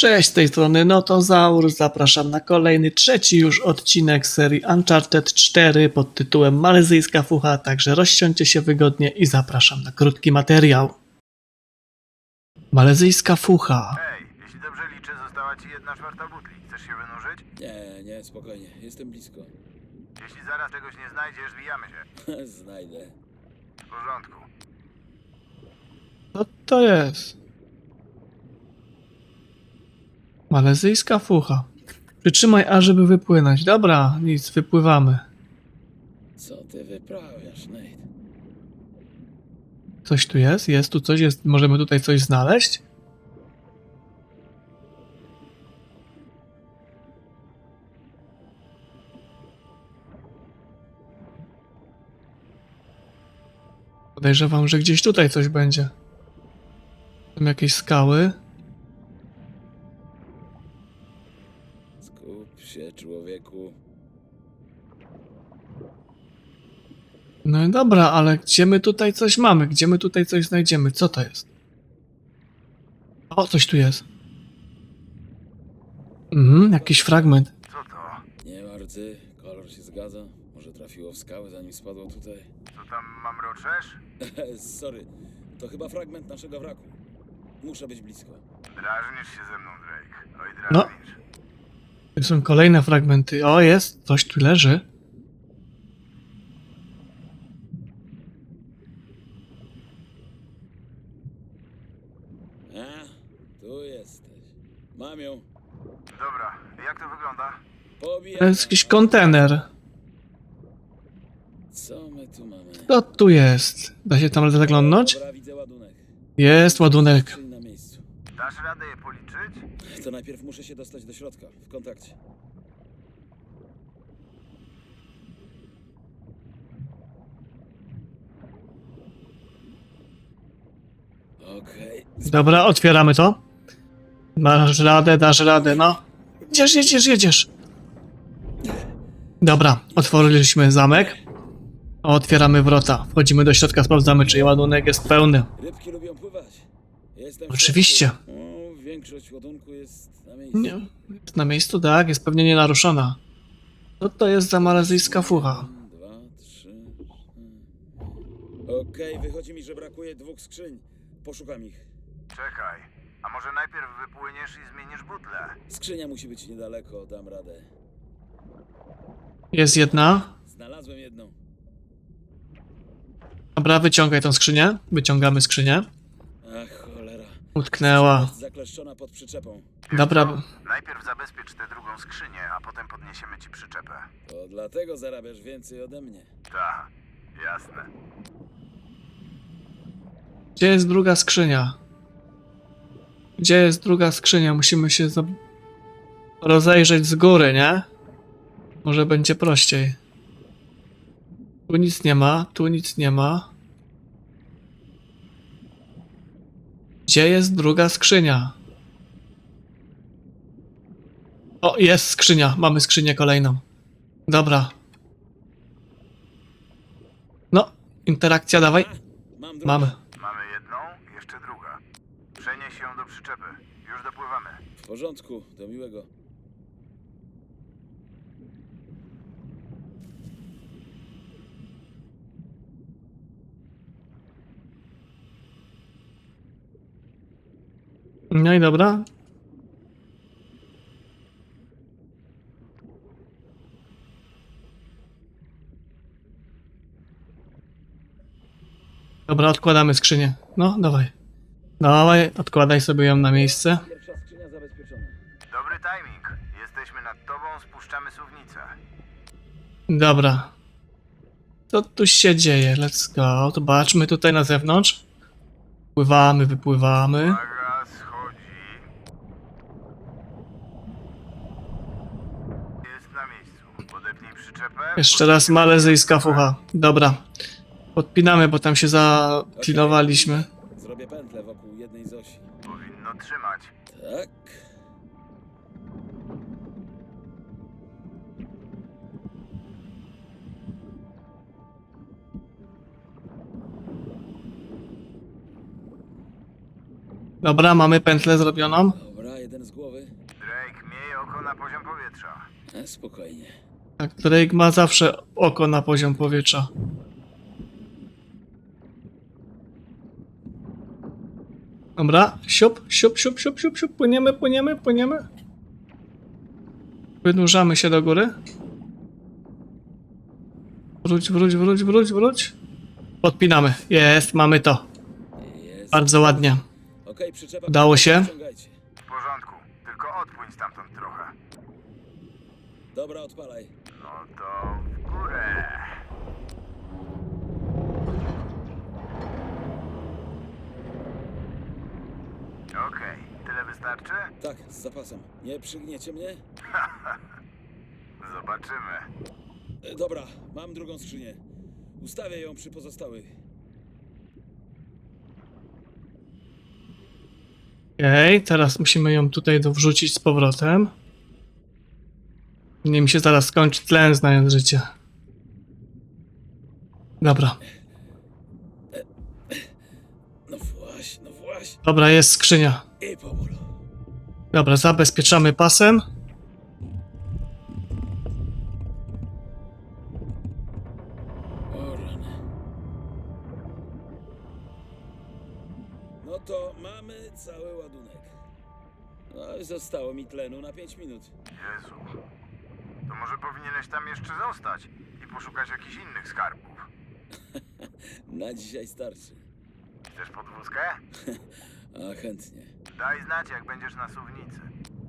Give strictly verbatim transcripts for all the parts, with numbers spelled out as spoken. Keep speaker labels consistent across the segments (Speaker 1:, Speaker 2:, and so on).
Speaker 1: Cześć, z tej strony Notozaur, zapraszam na kolejny, trzeci już odcinek serii Uncharted cztery pod tytułem Malezyjska Fucha, także rozsiądźcie się wygodnie i zapraszam na krótki materiał. Malezyjska Fucha.
Speaker 2: Hej, jeśli dobrze liczę, została ci jedna czwarta butli. Chcesz się wynurzyć?
Speaker 3: Nie, nie, spokojnie, jestem blisko.
Speaker 2: Jeśli zaraz czegoś nie znajdziesz, zwijamy się.
Speaker 3: Znajdę.
Speaker 2: W porządku.
Speaker 1: Co to jest? Malezyjska Fucha. Przytrzymaj A, żeby wypłynąć. Dobra, nic, wypływamy.
Speaker 3: Co ty wyprawiasz, Nate?
Speaker 1: Coś tu jest? Jest tu coś? Jest... Możemy tutaj coś znaleźć? Podejrzewam, że gdzieś tutaj coś będzie. Tam jakieś skały.
Speaker 3: Skup się, człowieku.
Speaker 1: No i dobra, ale gdzie my tutaj coś mamy? Gdzie my tutaj coś znajdziemy? Co to jest? O, coś tu jest. Mhm, jakiś fragment.
Speaker 2: Co to?
Speaker 3: Nie ma rdzy, kolor się zgadza. Może trafiło w skały, zanim spadło tutaj.
Speaker 2: Co tam mam roczesz?
Speaker 3: Sorry, to chyba fragment naszego wraku. Muszę być blisko.
Speaker 2: Drażnisz się ze mną, Drake. Oj,
Speaker 1: No.
Speaker 2: drażnisz.
Speaker 1: Tu są kolejne fragmenty. O, jest, coś tu leży.
Speaker 3: A, tu jesteś. Mam ją.
Speaker 2: Dobra, jak to wygląda?
Speaker 3: Pobijam.
Speaker 1: To jest jakiś kontener.
Speaker 3: Co my tu mamy?
Speaker 1: Co tu jest? Da się tam zaglądnąć?
Speaker 3: Dobra, widzę ładunek.
Speaker 1: Jest ładunek.
Speaker 3: Skrzyń na miejscu.
Speaker 2: Dasz radę je policzyć?
Speaker 3: To najpierw muszę się dostać do środka, w kontakcie. Okej.
Speaker 1: Dobra, otwieramy to. Dasz radę, dasz radę, no. Jedziesz, jedziesz, jedziesz. Dobra, otworzyliśmy zamek. Otwieramy wrota. Wchodzimy do środka, sprawdzamy, czy ładunek jest pełny.
Speaker 3: Rybki lubią pływać. Jestem w
Speaker 1: Oczywiście.
Speaker 3: środku. O, większość ładunku jest na miejscu.
Speaker 1: Nie, jest na miejscu, tak, jest pewnie nienaruszona. Co to jest za malezyjska fucha?
Speaker 3: Dwa, trzy. cztery. Okej, wychodzi mi, że brakuje dwóch skrzyń. Poszukam ich.
Speaker 2: Czekaj. A może najpierw wypłyniesz i zmienisz butlę?
Speaker 3: Skrzynia musi być niedaleko, dam radę.
Speaker 1: Jest jedna.
Speaker 3: Znalazłem jedną.
Speaker 1: Dobra, wyciągaj tą skrzynię. Wyciągamy skrzynię.
Speaker 3: Ach, cholera.
Speaker 1: Utknęła.
Speaker 3: Jest zakleszczona pod przyczepą.
Speaker 1: Dobra,
Speaker 2: Najpierw zabezpiecz tę drugą skrzynię, a potem podniesiemy ci przyczepę.
Speaker 3: To dlatego zarabiasz więcej ode mnie.
Speaker 2: Ta, jasne.
Speaker 1: gdzie jest druga skrzynia? Gdzie jest druga skrzynia? Musimy się za... rozejrzeć z góry, nie? Może będzie prościej. Tu nic nie ma, tu nic nie ma. Gdzie jest druga skrzynia? O, jest skrzynia. Mamy skrzynię kolejną. Dobra. No, interakcja, dawaj.
Speaker 3: Mam drugą.
Speaker 1: Mamy.
Speaker 2: Mamy jedną, jeszcze druga. Przenieś ją do przyczepy. Już dopływamy.
Speaker 3: W porządku, do miłego.
Speaker 1: No i dobra. Dobra, odkładamy skrzynię. No, dawaj. Dawaj, odkładaj sobie ją na miejsce.
Speaker 3: Pierwsza skrzynia zabezpieczona.
Speaker 2: Dobry timing. Jesteśmy nad tobą, spuszczamy suwnicę.
Speaker 1: Dobra. Co tu się dzieje? Let's go. Zobaczmy tutaj na zewnątrz. Pływamy, wypływamy.
Speaker 2: Uwaga, schodzi. Jest na miejscu. Podepnij przyczepę.
Speaker 1: Jeszcze raz malezyjska fucha. Dobra. Podpinamy, bo tam się zaklinowaliśmy.
Speaker 3: Zrobię pętlę wokół jednej z osi.
Speaker 2: Powinno trzymać.
Speaker 3: Tak.
Speaker 1: Dobra, mamy pętlę zrobioną.
Speaker 3: Dobra, jeden z głowy.
Speaker 2: na poziom powietrza.
Speaker 3: E, spokojnie.
Speaker 1: Tak, Drake ma zawsze oko na poziom powietrza. Dobra, siup, siup, siup, siup, siup, siup, płyniemy, płyniemy, płyniemy. Wynurzamy się do góry. Wróć, wróć, wróć, wróć, wróć. Podpinamy. Jest, mamy to.
Speaker 3: Jest.
Speaker 1: Bardzo ładnie.
Speaker 3: Okej, przyczepa.
Speaker 1: Udało się?
Speaker 3: Ściągajcie.
Speaker 2: W porządku, tylko odpłyń stamtąd trochę.
Speaker 3: Dobra, odpalaj.
Speaker 2: No to w górę. Okej, tyle wystarczy?
Speaker 3: Tak, z zapasem. Nie przygniecie mnie?
Speaker 2: Zobaczymy.
Speaker 3: E, dobra, mam drugą skrzynię. Ustawię ją przy pozostałych.
Speaker 1: Okej, teraz musimy ją tutaj dowrzucić z powrotem. Nie mi się zaraz skończy tlen, znając życie. Dobra.
Speaker 3: No właśnie, no właśnie.
Speaker 1: Dobra, jest skrzynia.
Speaker 3: I powolu.
Speaker 1: Dobra, zabezpieczamy pasem.
Speaker 3: O rany. No to mamy cały ładunek. No i zostało mi tlenu na pięć minut.
Speaker 2: Jezu. To może powinieneś tam jeszcze zostać i poszukać jakichś innych skarbów.
Speaker 3: Na dzisiaj starczy.
Speaker 2: Chcesz podwózkę?
Speaker 3: A chętnie.
Speaker 2: Daj znać, jak będziesz na suwnicy.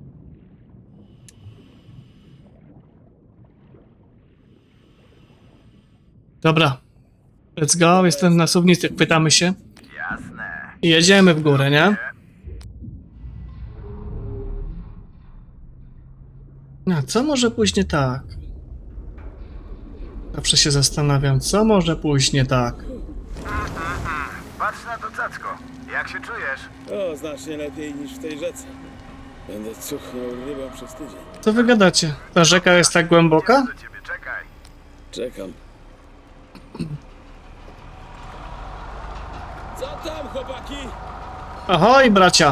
Speaker 1: Dobra. Let's go, jestem na suwnicy, pytamy się.
Speaker 2: Jasne.
Speaker 1: I jedziemy w górę, nie? No, co może pójść nie tak? Zawsze się zastanawiam, co może pójść nie tak.
Speaker 2: Patrz na to cacko. Jak się czujesz?
Speaker 3: O, znacznie lepiej niż w tej rzece. Będę cuchnął rybą przez tydzień.
Speaker 1: Co wy gadacie? Ta rzeka jest tak głęboka?
Speaker 2: Do ciebie czekaj.
Speaker 3: Czekam. Co tam, chłopaki?
Speaker 1: Ahoj, bracia!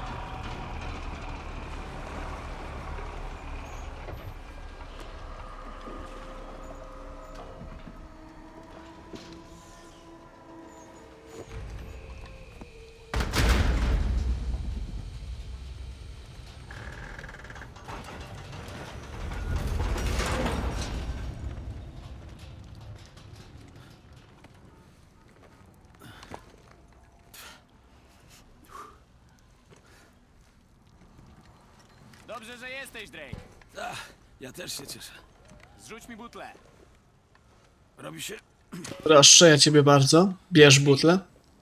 Speaker 4: Dobrze, że jesteś, Drake.
Speaker 3: Ach, ja też się cieszę.
Speaker 4: Zrzuć mi butlę.
Speaker 3: Robi się?
Speaker 1: Proszę, ja ciebie bardzo. Bierz butlę.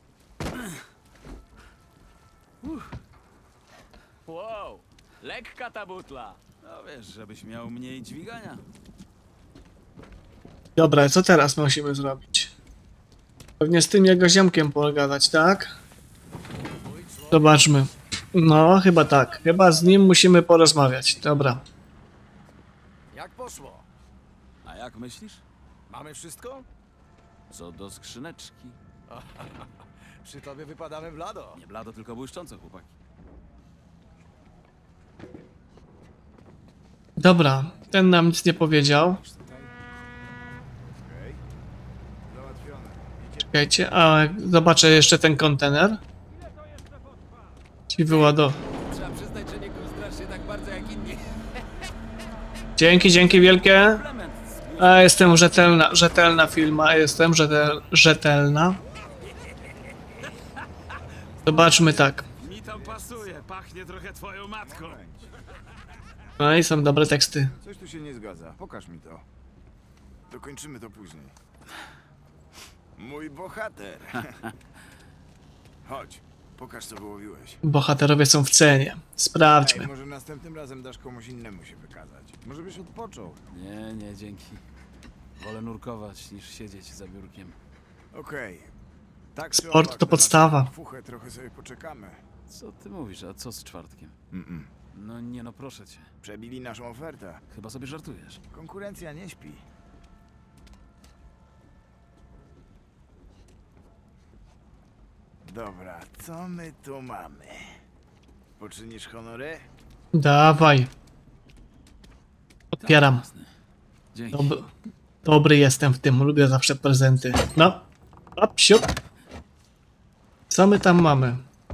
Speaker 4: Wow, lekka ta butla.
Speaker 3: No wiesz, żebyś miał mniej dźwigania.
Speaker 1: Dobra, co teraz musimy zrobić? Pewnie z tym jego ziomkiem pogadać, tak? Zobaczmy. No, chyba tak. Chyba z nim musimy porozmawiać. Dobra.
Speaker 5: Jak poszło?
Speaker 3: A jak myślisz?
Speaker 5: Mamy wszystko?
Speaker 3: Co do skrzyneczki.
Speaker 5: Przy tobie wypadamy blado.
Speaker 3: Nie blado, tylko błyszczące, chłopaki.
Speaker 1: Dobra, ten nam nic nie powiedział.
Speaker 2: Załatwione.
Speaker 1: Czekajcie, a zobaczę jeszcze ten kontener. Ci wyładow.
Speaker 5: Trzeba przyznać, że nie kostrasz się tak bardzo jak inni.
Speaker 1: Dzięki, dzięki wielkie.
Speaker 3: Element z
Speaker 1: A jestem rzetelna, rzetelna firma, jestem rzetel, rzetelna. Zobaczmy tak.
Speaker 3: Mi tam pasuje, pachnie trochę twoją matką.
Speaker 1: No i są dobre teksty.
Speaker 2: Coś tu się nie zgadza. Pokaż mi to. Dokończymy to później. Mój bohater. Chodź, pokaż co wyłowiłeś.
Speaker 1: Bohaterowie są w cenie.
Speaker 2: Ej,
Speaker 1: Sprawdźmy.
Speaker 2: może następnym razem dasz komuś innemu się wykazać. Może byś odpoczął.
Speaker 3: Nie, nie, dzięki. Wolę nurkować niż siedzieć za biurkiem.
Speaker 2: Okej. Tak czy
Speaker 1: Sport
Speaker 2: owak,
Speaker 1: to
Speaker 2: na
Speaker 1: podstawa.
Speaker 2: naszą Fuchę trochę sobie poczekamy.
Speaker 3: Co ty mówisz, a co z czwartkiem?
Speaker 2: Mm-mm.
Speaker 3: No nie no, proszę cię.
Speaker 2: Przebili naszą ofertę.
Speaker 3: Chyba sobie żartujesz.
Speaker 2: Konkurencja nie śpi. Dobra, co my tu mamy? Poczynisz honory?
Speaker 1: Dawaj. Otwieram.
Speaker 3: Jasne. Dzięki.
Speaker 1: Dob dobry jestem w tym, lubię zawsze prezenty. No, hop, siup. Co my tam mamy?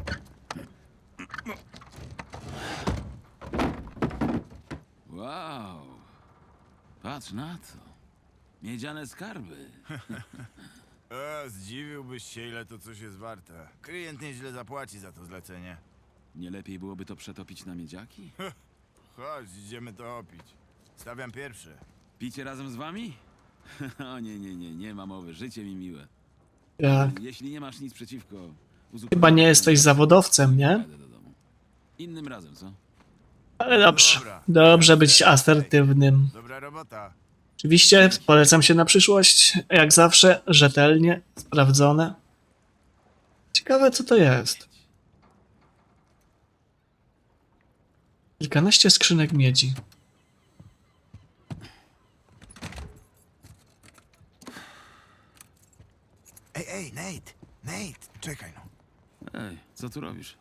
Speaker 3: Wow. Patrz na to. Miedziane skarby.
Speaker 2: E, zdziwiłbyś się, ile to coś jest warte. Klient nieźle zapłaci za to zlecenie.
Speaker 3: Nie lepiej byłoby to przetopić na miedziaki?
Speaker 2: Chodź, idziemy to opić. Stawiam pierwszy.
Speaker 3: Picie razem z wami? O nie, nie, nie, nie ma mowy. Życie mi miłe.
Speaker 1: Jak?
Speaker 3: Jeśli nie masz nic przeciwko... uzupełnię-
Speaker 1: Chyba nie jesteś zawodowcem, nie?
Speaker 3: Jadę do domu. Innym razem, co?
Speaker 1: Ale dobrze. Dobrze być asertywnym.
Speaker 2: Dobra robota.
Speaker 1: Oczywiście polecam się na przyszłość. Jak zawsze, rzetelnie, sprawdzone. Ciekawe, co to jest. Kilkanaście skrzynek miedzi.
Speaker 2: Ej, ej, Nate! Nate! Czekaj no.
Speaker 3: Ej, co tu robisz?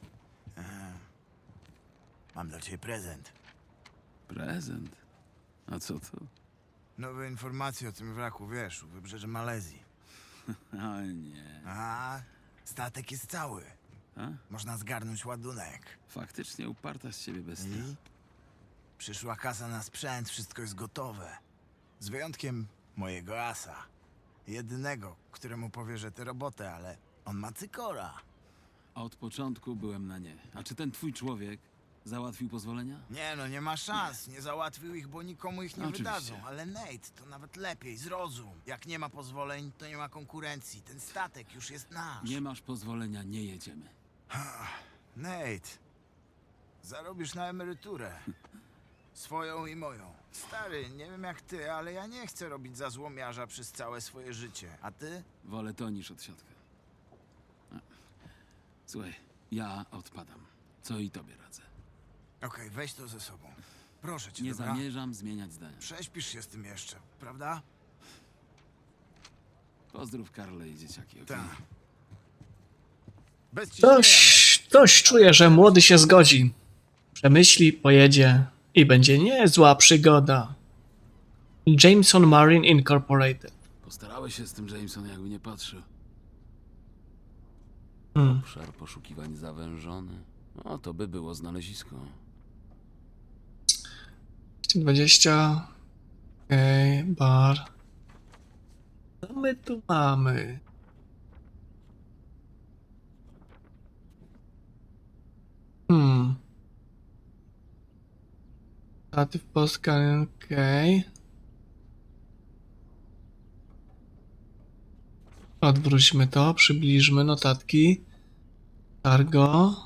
Speaker 2: Mam dla ciebie prezent.
Speaker 3: Prezent? A co to?
Speaker 2: Nowe informacje o tym wraku, wiesz, u wybrzeży Malezji.
Speaker 3: O nie.
Speaker 2: A, statek jest cały.
Speaker 3: A?
Speaker 2: Można zgarnąć ładunek.
Speaker 3: Faktycznie uparta z ciebie bestia.
Speaker 2: I? Przyszła kasa na sprzęt, wszystko jest gotowe. Z wyjątkiem mojego asa. Jedynego, któremu powierzę tę robotę, ale on ma cykora.
Speaker 3: Od początku byłem na nie. A czy ten twój człowiek załatwił pozwolenia?
Speaker 2: Nie no, nie ma szans. Nie załatwił ich, bo nikomu ich nie
Speaker 3: Oczywiście.
Speaker 2: wydadzą. Ale Nate, to nawet lepiej, zrozum. Jak nie ma pozwoleń, to nie ma konkurencji. Ten statek już jest nasz.
Speaker 3: Nie masz pozwolenia, nie jedziemy.
Speaker 2: Nate, zarobisz na emeryturę. Swoją i moją. Stary, nie wiem jak ty, ale ja nie chcę robić za złomiarza przez całe swoje życie. A ty?
Speaker 3: Wolę to niż odsiadkę. A. Słuchaj, ja odpadam. Co i tobie radzę.
Speaker 2: Okej, weź to ze sobą. Proszę cię,
Speaker 3: Nie
Speaker 2: dobra?
Speaker 3: zamierzam zmieniać zdania.
Speaker 2: Prześpisz się z tym jeszcze, prawda?
Speaker 3: Pozdrów Karle i dzieciaki, okej?
Speaker 2: Tak. Bez ciśnienia.
Speaker 1: Coś, coś czuję, że młody się zgodzi. Przemyśli, pojedzie i będzie niezła przygoda. Jameson Marine Incorporated.
Speaker 3: Postarałeś się z tym Jameson, jakby nie patrzył.
Speaker 1: Hmm.
Speaker 3: Obszar poszukiwań zawężony. No, to by było znalezisko.
Speaker 1: dwieście dwadzieścia. Okej, okay, bar. Co my tu mamy? Hmm. Statyw Polska, okej. Okay. Odwróćmy to, przybliżmy notatki. Cargo.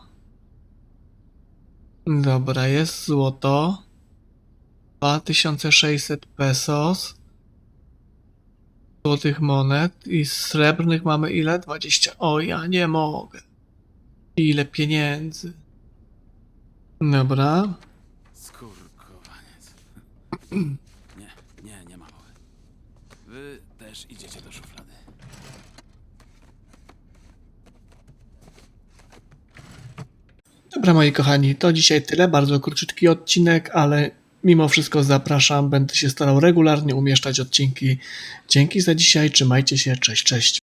Speaker 1: Dobra, jest złoto. dwa tysiące sześćset pesos. Złotych monet i srebrnych mamy ile? dwadzieścia. O, ja nie mogę. Ile pieniędzy. Dobra.
Speaker 3: Skurkowaniec. Nie, nie, nie ma mowy. Wy też idziecie do szuflady.
Speaker 1: Dobra, moi kochani, to dzisiaj tyle. Bardzo króciutki odcinek, ale mimo wszystko zapraszam. Będę się starał regularnie umieszczać odcinki. Dzięki za dzisiaj. Trzymajcie się. Cześć, cześć.